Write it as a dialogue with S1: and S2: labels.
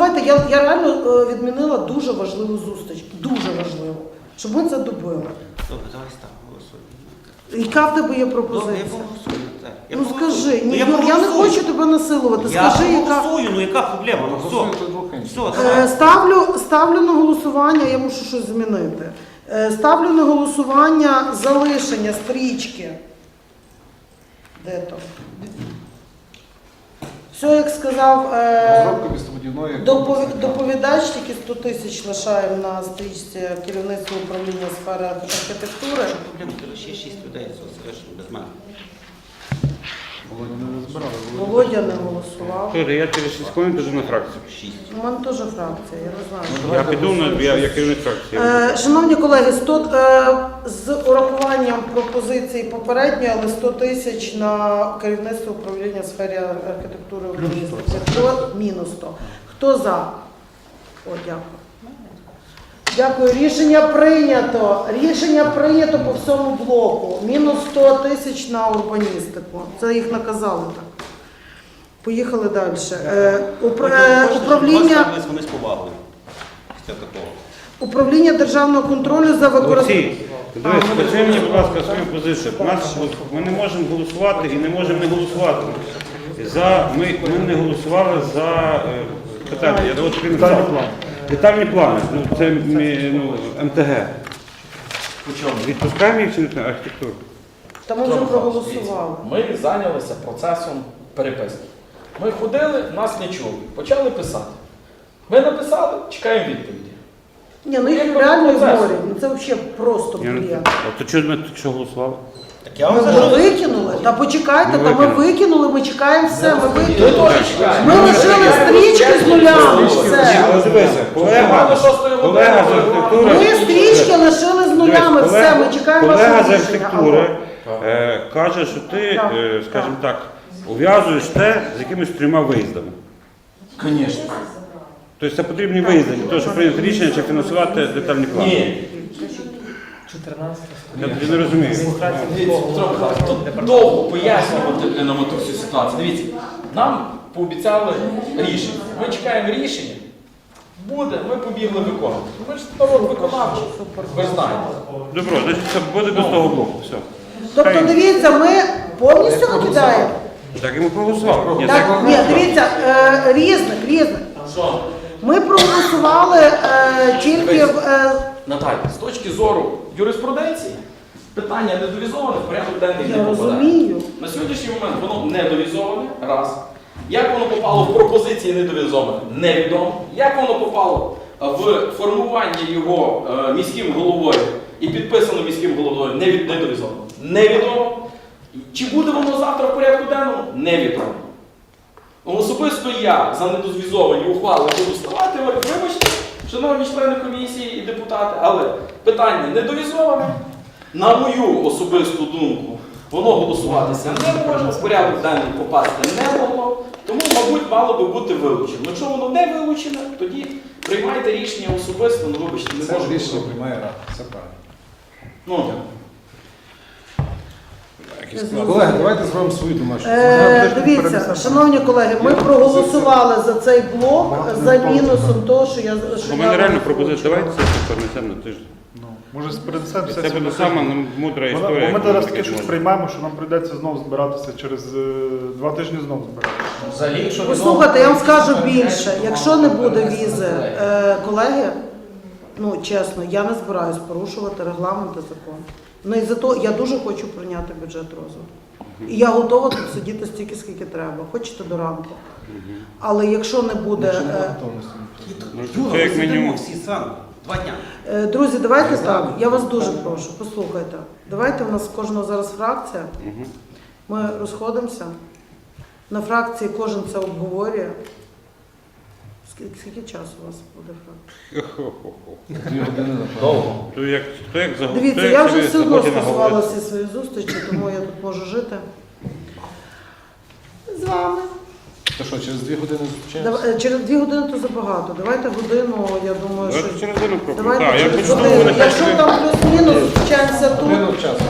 S1: Слухайте, я реально відмінила дуже важливу зустріч. Дуже важливу. Щоб ми це добили.
S2: Добре, давай став, голосуємо.
S1: Яка в тебе є
S2: Добре,
S1: пропозиція?
S2: я поголосую.
S1: Ну скажи, ні, я не хочу тебе насилувати. Скажи,
S2: я
S1: яка.
S2: голосую, ну яка проблема? Ну все, давай.
S1: Ставлю на голосування, я мушу щось змінити. Ставлю на голосування залишення стрічки. Де то? Все, як сказав доповідач, тільки 100 тисяч лишаємо на стрічці керівництва управління сфери архітектури.
S2: Що проблема? Ти ще 6 людей залишили без мене.
S1: Володя не голосував.
S3: Я через 6 хвилин піду на фракцію.
S2: 6.
S1: У мене теж фракція, я не знаю.
S3: Я піду, я керівник фракції.
S1: Шановні колеги, з урахуванням пропозицій попередньої, але 100 тисяч на керівництво управління сфері архітектури урбаністики. Мінус 100. Хто за? О, дякую. Дякую. Рішення прийнято. Рішення прийнято по всьому блоку. Мінус 100 тисяч на урбаністику. Це їх наказали так. Поїхали далі. Управління...
S2: Вони з повагою. Після такого.
S1: Управління державного контролю за використанням...
S3: Дивись, скажи мені, будь ласка, свою позицію. Ми не можемо голосувати і не можемо не голосувати. Ми не голосували за питання. Я от детальні плани. Це МТГ. Відпускаємо їх чи не архітектуру?
S1: Та ми вже проголосували.
S4: Ми зайнялися процесом переписки. Ми ходили, нас не чули. Почали писати. Ми написали, чекаємо відповіді.
S1: Ні, ну їх реально ігнорять. Ну це взагалі просто бред.
S3: А то чого ми тут голосували?
S2: Так я
S1: Ми
S2: вам
S1: вже викинули. Та почекайте, ми викинули, ми чекаємо все. Ми
S4: теж чекаємо.
S1: Ми лишили стрічки з нулями. Все.
S3: Дивися, колега з архітектури...
S1: Ми стрічки лишили з нулями. Все, ми чекаємо
S3: Колега
S1: вашого
S3: з
S1: рішення.
S3: архітектури каже, що ти, скажімо так, ув'язуєш те з якимись 3 виїздами.
S4: Звісно.
S3: Тобто це потрібні виїзди, для того, щоб прийняти рішення, чи фінансувати детальні плани.
S4: Ні.
S5: 14.
S3: Я тоді не розумію.
S4: Дивіться, Петро Михайлович, тут довго пояснювати нам ту всю ситуацію. Дивіться, нам пообіцяли рішення. Ми чекаємо рішення. Буде, ми побігли виконувати. Ми ж народ виконавчий, ви ж знаєте.
S3: Добро, значить це буде без того блоку. Все.
S1: Тобто, дивіться, ми повністю викидаємо?
S3: Так і ми проголосували. Ні,
S1: Так, ні, дивіться, різних.
S4: Що?
S1: Ми проголосували тільки в...
S4: Наталя, з точки зору юриспруденції, питання недовізоване в порядок денний не
S1: Я
S4: попадає.
S1: розумію.
S4: На сьогоднішній момент воно недовізоване, раз. Як воно попало в пропозиції недовізоване, невідомо. Як воно попало в формування його міським головою і підписано міським головою, недовізовано. Невідомо. Чи буде воно завтра в порядку денному? Невідомо. Особисто я за недозвізовані ухвали буду ставати, вибачте, шановні члени комісії і депутати, але питання недовізоване. На мою особисту думку, воно голосуватися не може, в порядок денний попасти не могло, тому, мабуть, мало би бути вилучено. Якщо воно не вилучене, тоді приймайте рішення особисто, ну вибачте, не може бути.
S6: Це рішення приймає Рада, все правильно.
S4: Ну,
S6: Колеги, давайте зробимо свою домашню.
S1: Дивіться, шановні колеги, ми проголосували за цей блок за мінусом того, що я...
S3: У мене реально пропозиція, давайте це перенесемо на тиждень.
S5: Може перенесемо все.
S3: Це буде сама мудра історія.
S5: Бо ми
S3: яку
S5: зараз
S3: тільки
S5: таке щось
S3: зможемо.
S5: приймаємо, що нам прийдеться знову збиратися через 2 тижні знову збиратися.
S4: взагалі, якщо
S1: Послухайте, я вам скажу більше. Якщо не буде візи, колеги, ну чесно, я не збираюсь порушувати регламент і закон. Ну і зато я дуже хочу прийняти бюджет розвитку. І я готова тут сидіти стільки, скільки треба. Хочете до ранку. Але якщо не буде...
S3: Це як мінімум.
S2: Всі зранку. 2 дня.
S1: Друзі, давайте так, я вас дуже прошу, послухайте. Давайте, у нас в кожного зараз фракція. Ми розходимося. На фракції кожен це обговорює. Скільки часу у вас буде фракція?
S4: довго.
S3: Хто як загубив?
S1: Дивіться, я вже все одно скасувала всі свої зустрічі, тому я тут можу жити. З вами.
S6: То що, через 2 години зустрічаємося?
S1: Через 2 години то забагато. Давайте годину, я думаю, що...
S3: Давайте через годину пробуємо.
S1: Давайте
S3: Так, я
S1: через
S3: почну,
S1: годину.
S3: вони
S1: Якщо там плюс-мінус, зустрічаємося тут.
S6: Годину в час.